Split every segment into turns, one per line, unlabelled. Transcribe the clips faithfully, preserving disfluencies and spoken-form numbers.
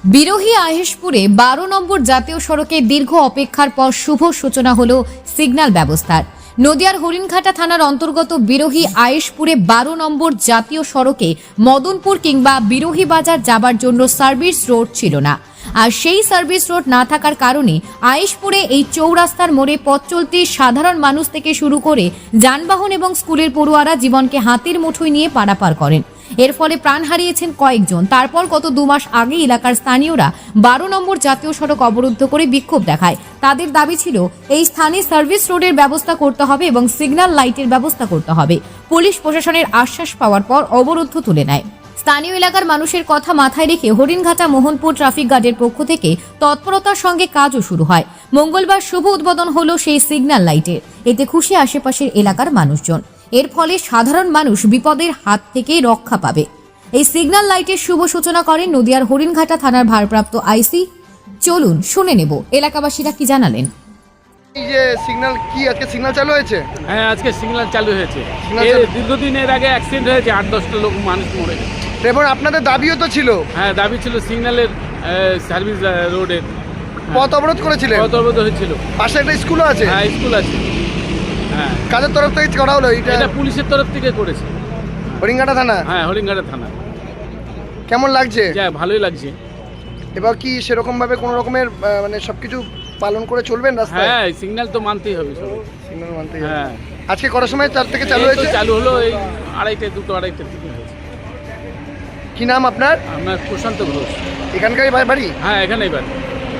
বিরোহী আহেশপুরে বারো নম্বর জাতীয় সড়কে দীর্ঘ অপেক্ষার পর শুভ সূচনা হলো সিগন্যাল ব্যবস্থার। নদিয়ার হরিণঘাটা থানার অন্তর্গত বিরোহী আহেশপুরে বারো নম্বর জাতীয় সড়কে মদনপুর কিংবা বিরোহী বাজার যাবার জন্য সার্ভিস রোড ছিল না। আর সেই সার্ভিস রোড না থাকার কারণে আহেশপুরে এই চৌরাস্তার মোড়ে পথ চলতি সাধারণ মানুষ থেকে শুরু করে যানবাহন এবং স্কুলের পড়ুয়ারা জীবনকে হাতের মুঠোয় নিয়ে পারাপার করেন। এর ফলে প্রাণ হারিয়েছেন কয়েকজন। তারপর গত দু মাস আগে এলাকার স্থানীয়রা বারো নম্বর জাতীয় সড়ক অবরুদ্ধ করে বিক্ষোভ দেখায়। তাদের দাবি ছিল এই স্থানে সার্ভিস রোডের ব্যবস্থা করতে হবে এবং সিগন্যাল লাইটের ব্যবস্থা করতে হবে। পুলিশ প্রশাসনের আশ্বাস পাওয়ার পর অবরুদ্ধ তুলে নেয়। স্থানীয় এলাকার মানুষের কথা মাথায় রেখে হরিণঘাটা মোহনপুর ট্রাফিক গার্ডের পক্ষ থেকে তৎপরতার সঙ্গে কাজও শুরু হয়। মঙ্গলবার শুভ উদ্বোধন হলো সেই সিগন্যাল লাইটের। এতে খুশি আশেপাশের এলাকার মানুষজন। এর ফলে সাধারণ মানুষ বিপদের হাত থেকে রক্ষা পাবে। এই সিগন্যাল লাইটের শুভ সূচনা করেন নদিয়ার হরিণঘাটা থানার ভারপ্রাপ্ত আইসি। চলুন শুনে নেব এলাকাবাসীরা কি জানালেন।
এই যে সিগন্যাল কি আজকে সিগন্যাল চালু হয়েছে?
হ্যাঁ, আজকে সিগন্যাল চালু হয়েছে।
সিগন্যাল
এর
চালু-
দীর্ঘদিনের আগে অ্যাক্সিডেন্ট হয়েছে, আট দশটা লোক মানুষ মরে গেছে।
এবং আপনাদের দাবিও তো ছিল,
হ্যাঁ, দাবি ছিল সিগন্যালের সার্ভিস রোডের
পথ অবরোধ করেছিলেন।
কত অবরোধ হয়েছিল।
পাশে একটা স্কুলও আছে।
হ্যাঁ, স্কুল আছে। হ্যাঁ,
কাদের তরফ থেকে করা হলো এটা?
এটা পুলিশের তরফ থেকে করেছে।
হরিণঘাটা থানা।
হ্যাঁ, হরিণঘাটা থানা।
কেমন লাগছে?
যা ভালোই লাগছে।
এবার কি সেরকম ভাবে কোনো রকমের আহ, মানে সবকিছু পালন করে চলবেন রাস্তায়?
হ্যাঁ, সিগন্যাল তো মানতেই হবে সবাই।
সিগন্যাল মানতেই হবে।
হ্যাঁ,
আজকে কটার সময় চার থেকে চালু
এই তো
হয়েছে?
চালু হলো এই আড়াইটে দুটো আড়াইটের দিকে হয়েছে।
কি নাম আপনার?
আপনার প্রশান্ত ঘোষ।
এখানকারই বা- বাড়ি?
হ্যাঁ, এখানেই বাড়ি।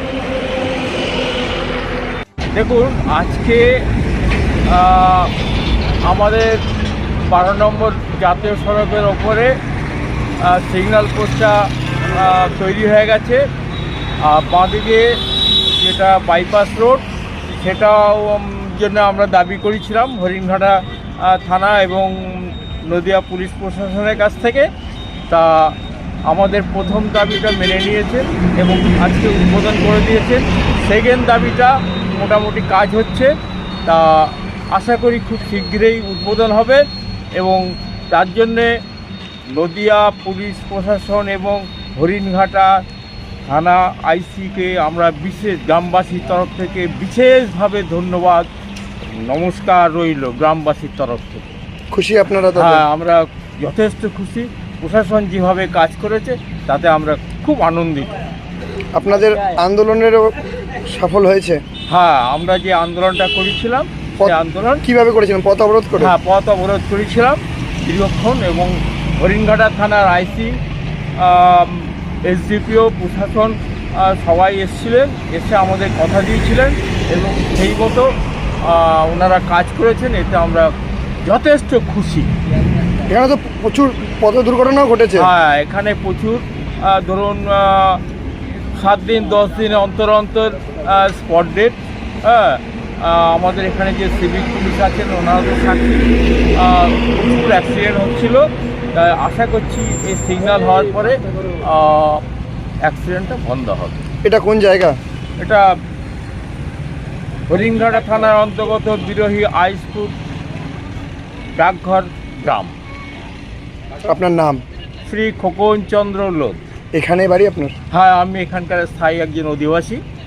দেখুন, আজকে আহ, আমাদের বারো নম্বর জাতীয় সড়কের ওপরে আহ, সিগন্যাল পোস্টটা আহ, তৈরি হয়ে গেছে। আর বাঁদিকে যেটা বাইপাস রোড, সেটাও উম, জন্য আমরা দাবি করেছিলাম হরিণঘাটা আহ, থানা এবং নদিয়া পুলিশ প্রশাসনের কাছ থেকে। তা আমাদের প্রথম দাবিটা মেনে নিয়েছেন এবং আজকে উদ্বোধন করে দিয়েছেন। সেকেন্ড দাবিটা মোটামুটি কাজ হচ্ছে, তা আশা করি খুব শীঘ্রই উদ্বোধন হবে এবং তার জন্যে নদিয়া পুলিশ প্রশাসন এবং হরিণঘাটা থানা আইসিকে আমরা বিশেষ গ্রামবাসীর তরফ থেকে বিশেষভাবে ধন্যবাদ, নমস্কার রইল গ্রামবাসীর তরফ থেকে।
খুশি আপনারা তাতে?
হ্যাঁ, আমরা যথেষ্ট খুশি। প্রশাসন যেভাবে কাজ করেছে তাতে আমরা খুব আনন্দিত।
আপনাদের আন্দোলনেরও সফল হয়েছে?
হ্যাঁ, আমরা যে আন্দোলনটা করেছিলাম সেই আন্দোলন
কিভাবে করেছিলেন? পথ অবরোধ করে?
হ্যাঁ, পথ অবরোধ করেছিলাম দীর্ঘক্ষণ এবং হরিণঘাটা থানার আইসি, এসডিপিও, প্রশাসন আহ, সবাই এসেছিলেন, এসে আমাদের কথা দিয়েছিলেন এবং সেই মতো আহ, ওনারা কাজ করেছেন। এতে আমরা যথেষ্ট খুশি।
এখানে তো প্রচুর পথ দুর্ঘটনাও ঘটেছে।
হ্যাঁ, এখানে প্রচুর আহ, ধরুন আহ, সাত দিন দশ দিন অন্তর অন্তর স্পট ডেট। হ্যাঁ, আহ, আমাদের এখানে যে সিভিক পুলিশ আছেন ওনাদের সাথে আহ, প্রচুর অ্যাক্সিডেন্ট হচ্ছিল। তাই আশা করছি এই সিগন্যাল হওয়ার পরে অ্যাক্সিডেন্টটা বন্ধ হবে।
এটা কোন জায়গা?
এটা হরিণঘাটা থানার অন্তর্গত বিরোহী আইসপুর ডাকঘর গ্রাম।
আপনার নাম?
শ্রী খোকন চন্দ্র লোধ।
এখানে বাড়ি আপনার?
হ্যাঁ, আমি এখানকার স্থায়ী একজন অধিবাসী।